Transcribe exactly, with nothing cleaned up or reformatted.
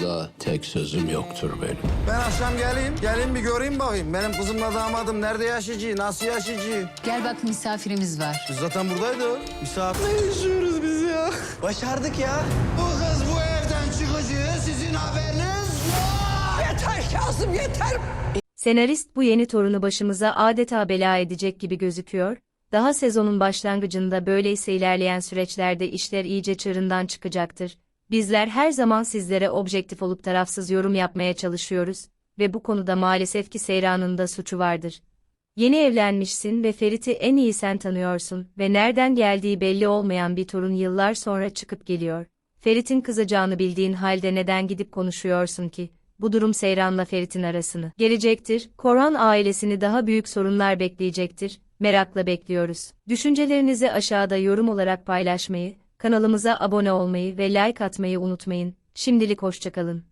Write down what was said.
konuda tek sözüm yoktur benim. Ben akşam geleyim, gelin bir göreyim bakayım. Benim kızımla damadım nerede yaşayıcı, nasıl yaşayıcı? Gel bak misafirimiz var. Biz zaten buradaydı. Misafir. Ne yaşıyoruz biz ya? Başardık ya. Bu kız bu evden çıkıcı, sizin haberiniz yok. Yeter Kazım, yeter. Senarist bu yeni torunu başımıza adeta bela edecek gibi gözüküyor. Daha sezonun başlangıcında böyleyse ilerleyen süreçlerde işler iyice çığırından çıkacaktır. Bizler her zaman sizlere objektif olup tarafsız yorum yapmaya çalışıyoruz ve bu konuda maalesef ki Seyran'ın da suçu vardır. Yeni evlenmişsin ve Ferit'i en iyi sen tanıyorsun ve nereden geldiği belli olmayan bir torun yıllar sonra çıkıp geliyor. Ferit'in kızacağını bildiğin halde neden gidip konuşuyorsun ki? Bu durum Seyran'la Ferit'in arasını gelecektir. Korhan ailesini daha büyük sorunlar bekleyecektir. Merakla bekliyoruz. Düşüncelerinizi aşağıda yorum olarak paylaşmayı, kanalımıza abone olmayı ve like atmayı unutmayın. Şimdilik hoşça kalın.